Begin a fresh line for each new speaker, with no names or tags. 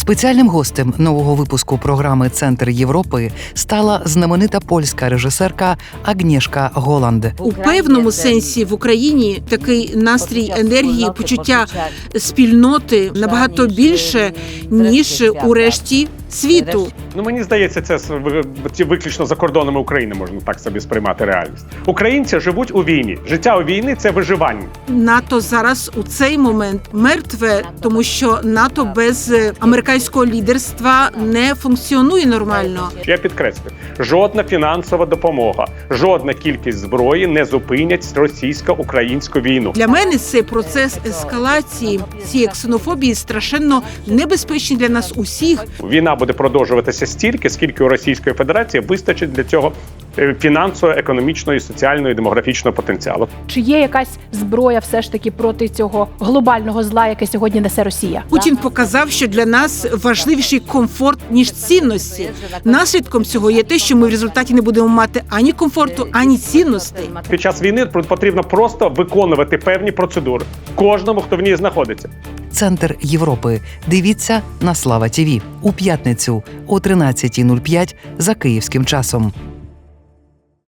Спеціальним гостем нового випуску програми «Центр Європи» стала знаменита польська режисерка Агнєшка Голанд.
У певному сенсі в Україні такий настрій енергії, почуття спільноти набагато більше, ніж у решті світу.
Мені здається, це виключно за кордонами України можна так собі сприймати реальність. Українці живуть у війні. Життя у війні – це виживання.
НАТО зараз у цей момент мертве, тому що НАТО без американського лідерства не функціонує нормально.
Я підкреслю, жодна фінансова допомога, жодна кількість зброї не зупинять російсько-українську війну.
Для мене цей процес ескалації цієї ксенофобії страшенно небезпечний для нас усіх.
Війна буде продовжуватися стільки, скільки у Російської Федерації вистачить для цього фінансового, економічного, соціального і демографічного потенціалу.
Чи є якась зброя все ж таки проти цього глобального зла, яке сьогодні несе Росія?
Путін показав, що для нас важливіший комфорт, ніж цінності. Наслідком цього є те, що ми в результаті не будемо мати ані комфорту, ані цінностей.
Під час війни потрібно просто виконувати певні процедури кожному, хто в ній знаходиться.
«Центр Європи». Дивіться на Слава ТІВІ у п'ятницю о 13:05 за київським часом.